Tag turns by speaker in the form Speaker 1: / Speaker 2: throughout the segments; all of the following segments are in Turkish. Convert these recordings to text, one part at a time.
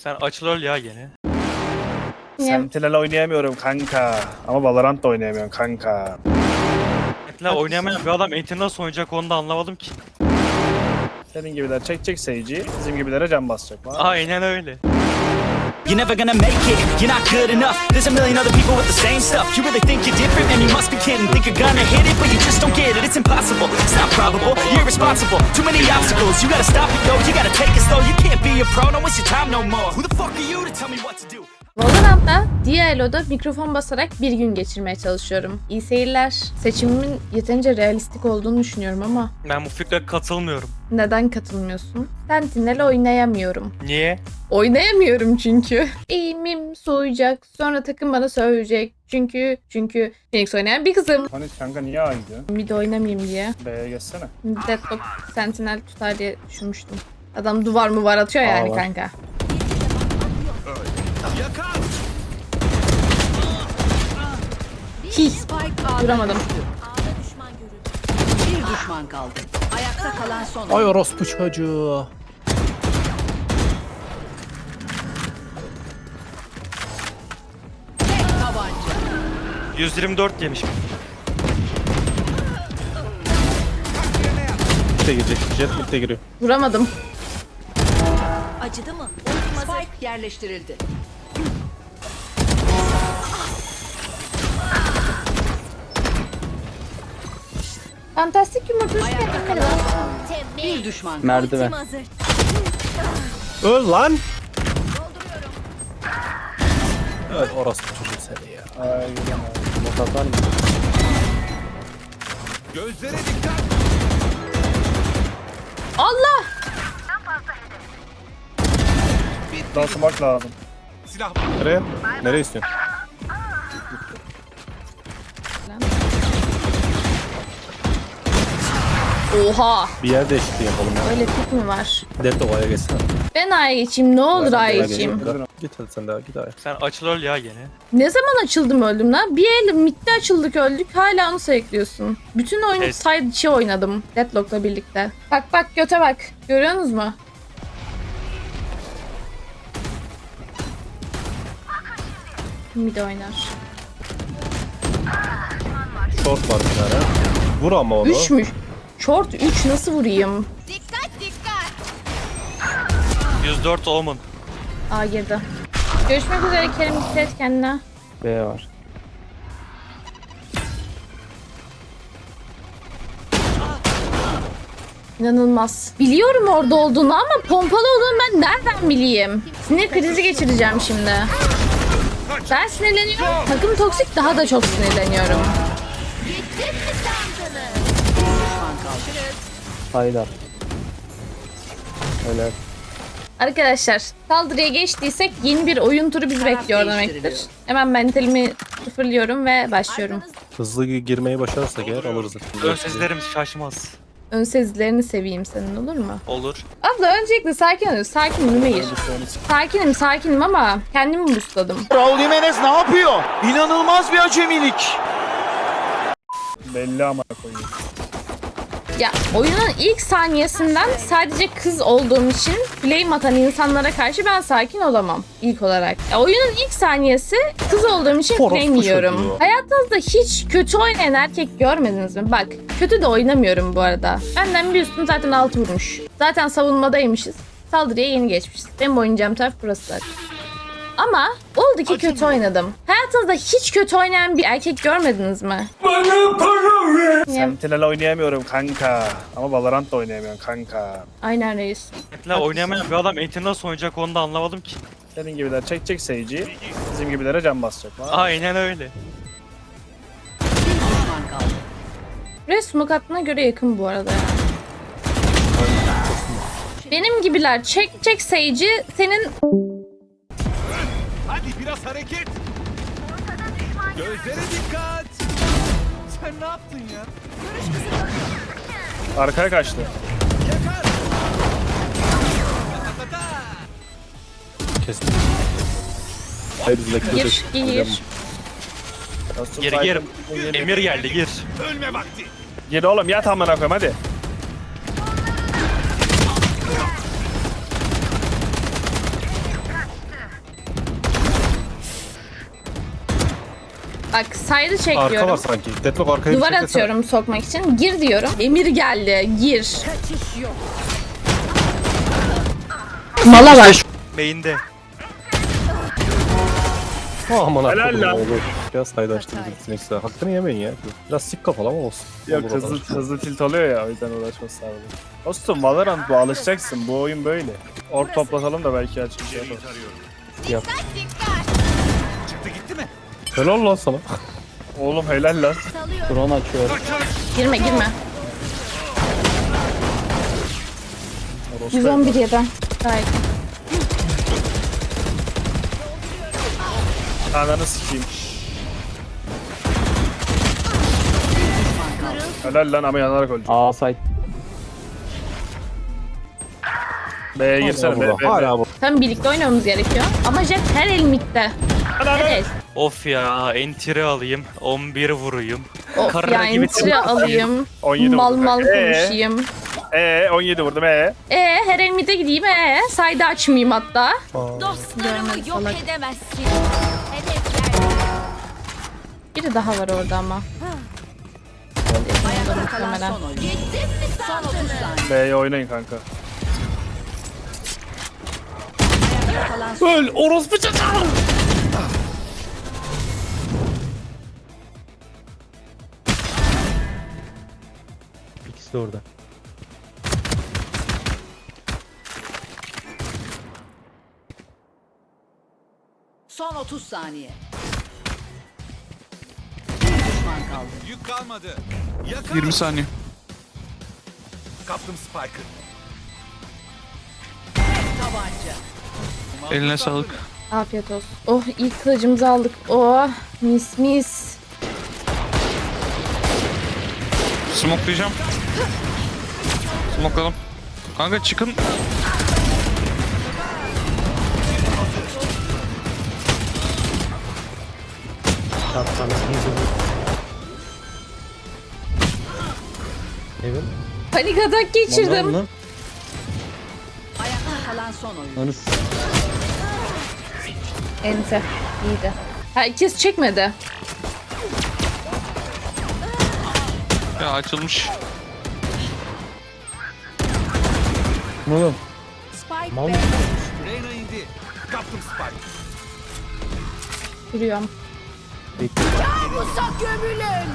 Speaker 1: Sen açıl ya gene.
Speaker 2: Sentinel oynayamıyorum kanka. Ama Valorant da oynayamıyorum kanka.
Speaker 1: Sentinel oynayamayan bir adam Enti nasıl oynayacak onu da anlamadım ki.
Speaker 2: Senin gibiler çekecek Sage'i, bizim gibilere can basacak.
Speaker 1: Aynen öyle.
Speaker 3: You're never gonna make it, you're not good enough. There's a million other people with the same stuff. You really think you're different, man, you must be kidding. Think you're gonna hit it, but you just don't get it. It's impossible, it's not probable, you're irresponsible. Too many obstacles, you gotta stop it, yo. You gotta take it slow, you can't be a pro, don't waste your time no more. Who the fuck are you to tell me what to do?
Speaker 4: Valorant'ta Dialo'da mikrofon basarak bir gün geçirmeye çalışıyorum. İyi seyirler. Seçimimin yeterince realistik olduğunu düşünüyorum ama
Speaker 1: Ben bu fikre katılmıyorum.
Speaker 4: neden katılmıyorsun? Sentinel oynayamıyorum.
Speaker 1: Niye?
Speaker 4: Oynayamıyorum çünkü. Eğimim soğuyacak. Sonra takım bana söyleyecek. Çünkü Phoenix oynayan bir kızım.
Speaker 2: Hani kanka niye A gidiyor?
Speaker 4: Mid oynamayayım diye.
Speaker 2: B'ye geçsene.
Speaker 4: Deadlock Sentinel tutar diye düşünmüştüm. Adam duvar mı var atıyor yani
Speaker 2: var.
Speaker 4: kanka. Hi. Duramadım.
Speaker 5: Bir düşman kaldı. Ayakta kalan son.
Speaker 6: Ay orospu çocuğu.
Speaker 5: Tek tabanca.
Speaker 1: 124 yemiş.
Speaker 6: Mitte girecek. Jet mitte giriyor.
Speaker 4: Vuramadım.
Speaker 5: Acıdı mı? Spike yerleştirildi.
Speaker 4: Fantastik yumurta üstüne
Speaker 5: Ayakta bir düşman kaldı.
Speaker 6: Merdiven. Öl lan. Öl orospu çocuğu seni ya.
Speaker 2: Ay gidiyorum.
Speaker 6: Bot atar mı?
Speaker 4: Allah!
Speaker 2: Daha smoke lazım.
Speaker 6: Nereye? Nereye istiyorsun?
Speaker 4: Oha!
Speaker 6: Bir yer değişikliği yapalım ya.
Speaker 4: Öyle pik mi var?
Speaker 6: Detova'ya geçsene.
Speaker 4: Ben A'ya geçeyim. Ne olur A'ya geçeyim.
Speaker 6: Git hadi sen daha git A'ya.
Speaker 1: Sen açıl ya gene.
Speaker 4: Ne zaman açıldım öldüm lan? Bir el midde açıldık öldük. Hala onu sayıklıyorsun. Bütün oyunu
Speaker 1: Evet.
Speaker 4: side içi oynadım. Deadlock'la birlikte. Bak bak göte bak. Görüyorsunuz mu? Mid oynar.
Speaker 6: Short var bir tane. Vur ama onu.
Speaker 4: 3 mü? Short 3 nasıl vurayım?
Speaker 1: 104 Omen.
Speaker 4: A girdi. Görüşmek üzere Kerim. Dikkat et kendine.
Speaker 6: B var.
Speaker 4: İnanılmaz. Biliyorum orada olduğunu ama pompalı olduğunu ben nereden bileyim? Sinir krizi geçireceğim şimdi. Ben sinirleniyorum. Takım toksik, daha da çok sinirleniyorum.
Speaker 6: Haydar. Öyle.
Speaker 4: Arkadaşlar saldırıya geçtiysek yeni bir oyun turu bizi bekliyor demektir. Hemen mentalimi sıfırlıyorum ve başlıyorum.
Speaker 6: Hızlı girmeyi başarırsak eğer alırız.
Speaker 1: Ön seslerim şaşmaz.
Speaker 4: Ön sezilerini seveyim senin, olur mu?
Speaker 1: Olur.
Speaker 4: Abla öncelikle sakin ol. Sakinim Ümeyir. Sakinim ama kendimi boostladım.
Speaker 7: Raul Jimenez ne yapıyor? İnanılmaz bir acemilik.
Speaker 2: Belli ama koyayım.
Speaker 4: Ya oyunun ilk saniyesinden sadece kız olduğum için flame atan insanlara karşı ben sakin olamam ilk olarak. Ya oyunun ilk saniyesi kız olduğum için
Speaker 6: Orospu
Speaker 4: flame yiyorum.
Speaker 6: çocuğu.
Speaker 4: Hayatınızda hiç kötü oynayan erkek görmediniz mi? Bak kötü de oynamıyorum bu arada. Benden bir üstüm zaten 6 vurmuş. Zaten savunmadaymışız. Saldırıya yeni geçmişiz. Benim oynayacağım taraf burası zaten. Ama oldu ki kötü oynadım. Hayatınızda hiç kötü oynayan bir erkek görmediniz mi?
Speaker 2: Sentinel oynayamıyorum kanka. Ama Valorant da oynayamıyorum kanka.
Speaker 4: Aynen reis.
Speaker 1: Sentinel oynayamayan bir adam Enti nasıl oynayacak onu da anlamadım ki.
Speaker 2: Senin gibiler çekecek Sage'i, bizim gibilere can basacak.
Speaker 1: Aynen öyle.
Speaker 5: Bir düşman kaldı.
Speaker 4: Buraya smoke attığına göre yakın bu arada ya. Benim gibiler çekecek Sage'i senin...
Speaker 7: Hadi biraz hareket. Gözlere dikkat. Sen ne yaptın ya?
Speaker 2: Arkaya kaçtı.
Speaker 6: Kesin. Hayır biz bekliyoruz.
Speaker 4: Gir.
Speaker 1: Gir. Emir geldi gir.
Speaker 7: Ölme vakti.
Speaker 2: Gir oğlum yat amına koyayım hadi.
Speaker 4: Bak side'ı
Speaker 6: Arka var
Speaker 4: çekiyorum.
Speaker 6: sanki. Deadlock arkaya bir
Speaker 4: Duvar
Speaker 6: çeksene.
Speaker 4: atıyorum sokmak için. Gir diyorum. Emir geldi. Gir. Mala var.
Speaker 1: Main'de.
Speaker 6: Aman
Speaker 2: Helal
Speaker 6: akıllı
Speaker 2: lan.
Speaker 6: olur. Biraz sayda açtı bizim Next'e. Hakkını yemeyin ya. Biraz sik kafalı ama olsun.
Speaker 2: Yok
Speaker 6: Olur o kadar.
Speaker 2: hızlı tilt oluyor ya o yüzden uğraşması lazım. Dostum Valorant bu, alışacaksın, bu oyun böyle. Ork toplatalım da belki açık bir şey yaparız.
Speaker 6: Helal lan sana.
Speaker 2: Oğlum helal lan.
Speaker 6: Drone açıyor.
Speaker 4: Girme girme.
Speaker 2: Orospu
Speaker 4: 111 yedi. Gayet.
Speaker 2: Ananı sikeyim. Helal lan ama yanarak öldü.
Speaker 6: Aa site.
Speaker 2: B'ye girsene B.
Speaker 6: Hala bu.
Speaker 4: Tam birlikte oynamamız gerekiyor. Ama Jet her el midde. Her el.
Speaker 1: Of ya, entry alayım, 11 vurayım.
Speaker 4: Of
Speaker 1: Kara
Speaker 4: ya
Speaker 1: gibi
Speaker 4: entry alayım.
Speaker 2: 17
Speaker 4: Mal
Speaker 2: vurdum.
Speaker 4: mal konuşayım.
Speaker 2: 17 vurdum
Speaker 4: Her el midde gideyim sayda açmayayım hatta.
Speaker 8: Dostlarımı yok edemezsin. Hedefler.
Speaker 4: Biri daha var orada ama.
Speaker 5: Ayakta kalan
Speaker 4: Muhtemelen.
Speaker 5: son oyuncu.
Speaker 8: Gittim mi
Speaker 5: Son 30
Speaker 8: sandın?
Speaker 5: saniye.
Speaker 2: B'ye oynayın kanka.
Speaker 5: Ayakta kalan son
Speaker 6: Öl orospu çocuğu. İkisi de orada.
Speaker 5: Son 30 saniye. Bir düşman kaldı.
Speaker 7: Yük kalmadı.
Speaker 9: 20 saniye.
Speaker 7: Kaptım Spike'ı.
Speaker 5: Tabanca.
Speaker 9: Eline sağlık.
Speaker 4: Afiyet olsun. Oh ilk kılıcımızı aldık. Oh mis mis.
Speaker 9: Smokelayacağım. Smokeladım. Kanka çıkın.
Speaker 4: Panik atak geçirdim.
Speaker 5: Ayakta kalan son oyuncu.
Speaker 4: Ente. İyiydi. Herkes çekmedi.
Speaker 9: Ya açılmış.
Speaker 5: Spike Bey.
Speaker 7: Reyna indi. Kaptım Spike.
Speaker 4: Yürüyorum.
Speaker 8: Uzak gömülün.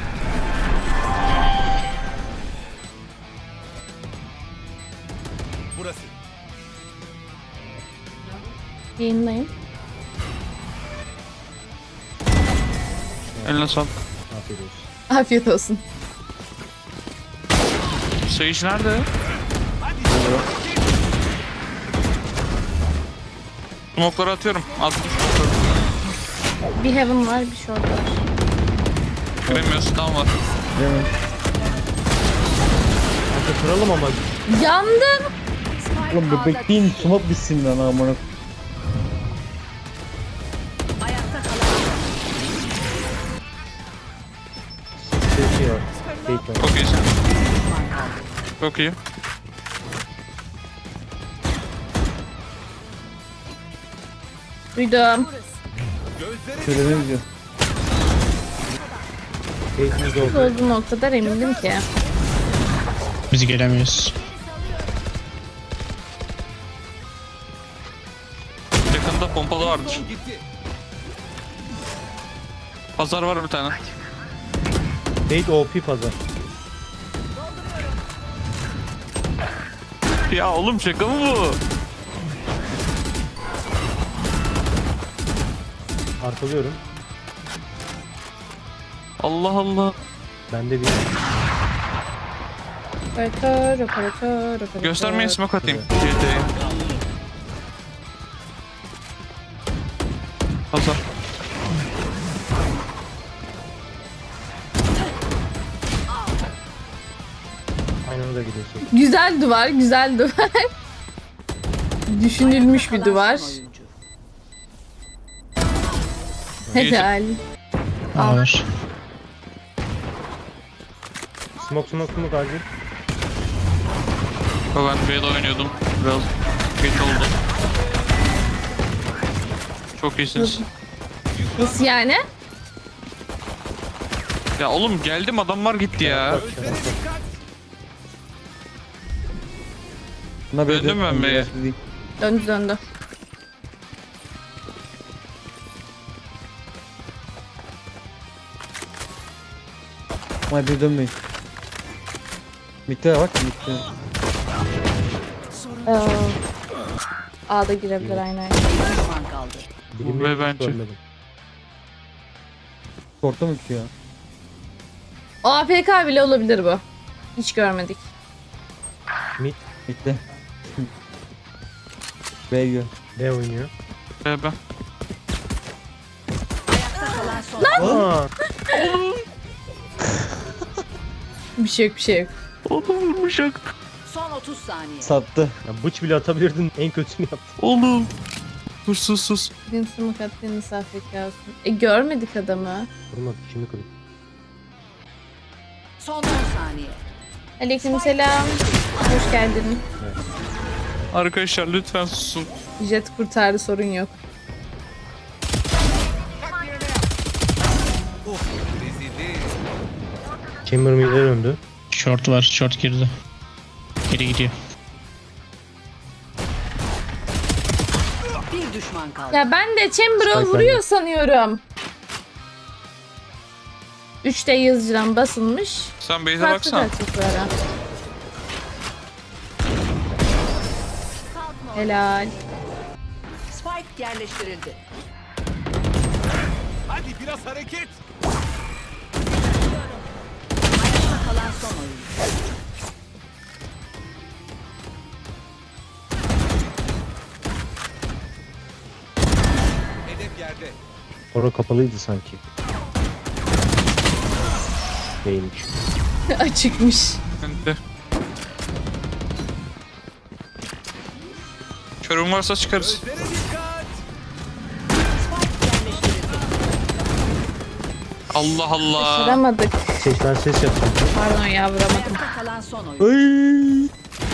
Speaker 7: Burası.
Speaker 4: Yayınlayın.
Speaker 9: Eline sağlık.
Speaker 4: Afiyet olsun.
Speaker 9: Sayış nerede? Smoke'ları atıyorum. Attım.
Speaker 4: Bir heaven var bir short var.
Speaker 9: Giremiyorsun, tamam var.
Speaker 6: Kıralım ama.
Speaker 4: Yandım.
Speaker 6: Oğlum bekleyin smoke bitsin lan amına.
Speaker 5: Ayakta kalan
Speaker 6: Şey var. Fake var.
Speaker 9: Çok iyisin. Çok iyi.
Speaker 4: Duydum.
Speaker 6: Söylememiz yok. Fake'imiz
Speaker 4: Biz
Speaker 6: oldu.
Speaker 4: olduğum noktada emindim ki.
Speaker 9: Biz gelemiyoruz. Yakında pompalı vardır.
Speaker 7: Gitti.
Speaker 9: Pazar var bir tane.
Speaker 6: Fake OP pazar.
Speaker 9: Ya oğlum şaka mı bu?
Speaker 6: Arkalıyorum.
Speaker 9: Allah Allah.
Speaker 6: Ben de bir
Speaker 4: Operatör.
Speaker 9: Göstermeyin, smoke atayım. GT'ye. Pazar.
Speaker 6: aynı anda gidiyorsun.
Speaker 4: Güzel duvar, güzel duvar. Düşünülmüş bir duvar.
Speaker 5: son oyuncu.
Speaker 4: Helal.
Speaker 9: Var.
Speaker 6: Smoke acil.
Speaker 9: Ben B'de oynuyordum. Biraz geç oldu. Çok iyisiniz.
Speaker 4: Nasıl yani?
Speaker 9: Ya oğlum geldim adamlar gitti ya.
Speaker 6: Buna böyle
Speaker 9: Döndüm ben be.
Speaker 4: Döndü.
Speaker 6: Ama bir dönmeyin. Mitte bak mitte.
Speaker 4: A'da girebilir aynen.
Speaker 5: Bir düşman kaldı.
Speaker 9: Ve bence.
Speaker 6: Korktu mu ki ya?
Speaker 4: O APK bile olabilir bu. Hiç görmedik.
Speaker 6: Mitte. B yiyor.
Speaker 9: Ben.
Speaker 5: Ayakta kalan son.
Speaker 4: Bir şey yok.
Speaker 9: Oğlum vurmuşak.
Speaker 5: Son 30 saniye.
Speaker 6: Sattı.
Speaker 10: Bıç bile atabilirdin, en kötüsünü yaptın.
Speaker 9: Oğlum. Sus.
Speaker 4: Birini smoke at, birini safrika olsun. Görmedik adamı.
Speaker 10: Vurmadı, şimdi kırık.
Speaker 5: Son 10 saniye.
Speaker 4: Aleykümselam. Hoş geldin.
Speaker 9: Arkadaşlar lütfen susun.
Speaker 4: Jet kurtardı, sorun yok.
Speaker 10: Chamber mid'e döndü.
Speaker 9: Short var, short girdi. Geri gidiyor.
Speaker 5: Bir düşman kaldı.
Speaker 4: Ya ben de Chamber'ı
Speaker 6: Spike
Speaker 4: vuruyor sanıyorum. 3'te yazıcıdan basılmış.
Speaker 9: Sen base'e
Speaker 4: Farklı
Speaker 9: baksana.
Speaker 4: gerçeklara. Helal.
Speaker 5: Spike yerleştirildi. Ayakta kalan son oyun.
Speaker 10: Ora kapalıydı sanki. Değilmiş.
Speaker 4: Açıkmış.
Speaker 9: Ben de. Körüm varsa çıkarız.
Speaker 5: Spike yerleştirildi.
Speaker 9: Allah Allah.
Speaker 4: Vuramadık.
Speaker 10: Ben ses yaptım.
Speaker 4: Pardon ya, vuramadım.
Speaker 5: Ayakta kalan son oyun.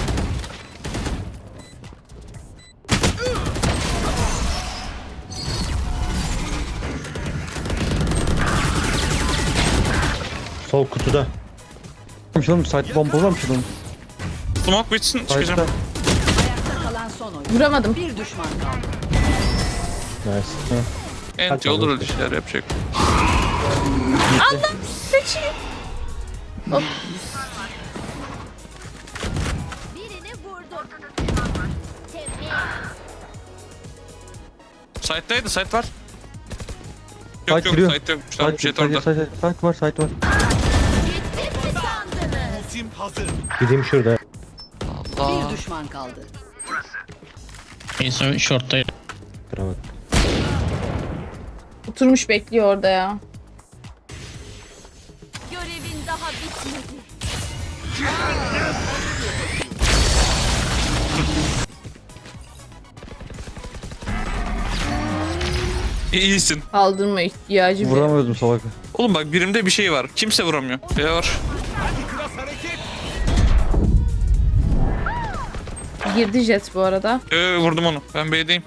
Speaker 10: Sol kutuda.
Speaker 6: Oğlum site bombalamış oğlum.
Speaker 9: Smoke bitsin çıkacağım.
Speaker 6: Site'da.
Speaker 5: Ayakta kalan son oyun.
Speaker 4: Vuramadım.
Speaker 5: Bir düşman kaldı.
Speaker 10: Nice.
Speaker 9: Enti olur öyle şeyler yapacak.
Speaker 8: Birini vurdum. Tebrik.
Speaker 9: Site'daydı, site var.
Speaker 6: Site
Speaker 9: Yok
Speaker 6: giriyor.
Speaker 9: site yok. Tamam, jet orada.
Speaker 6: Site var, site var.
Speaker 8: Gittim mi sandınız?
Speaker 10: Gideyim şurada.
Speaker 5: Bir düşman kaldı.
Speaker 9: Neyse short'tayım.
Speaker 10: Kıramadım.
Speaker 4: Oturmuş bekliyor orada ya.
Speaker 8: Görevin daha bitmedi.
Speaker 9: İyisin.
Speaker 4: Kaldırma ihtiyacı bile.
Speaker 6: Vuramıyordum salak.
Speaker 9: Oğlum bak birimde bir şey var. Kimse vuramıyor. B var.
Speaker 4: Girdi Jet bu arada.
Speaker 9: Vurdum onu. Ben B'deyim.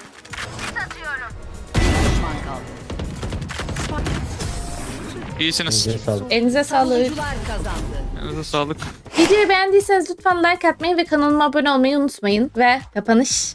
Speaker 5: Düşman kaldı.
Speaker 9: İyisiniz.
Speaker 10: Size sağlık.
Speaker 4: Elinize sağlık.
Speaker 5: Savunucular kazandı.
Speaker 9: Elinize sağlık.
Speaker 4: Videoyu beğendiyseniz lütfen like atmayı ve kanalıma abone olmayı unutmayın. Ve kapanış.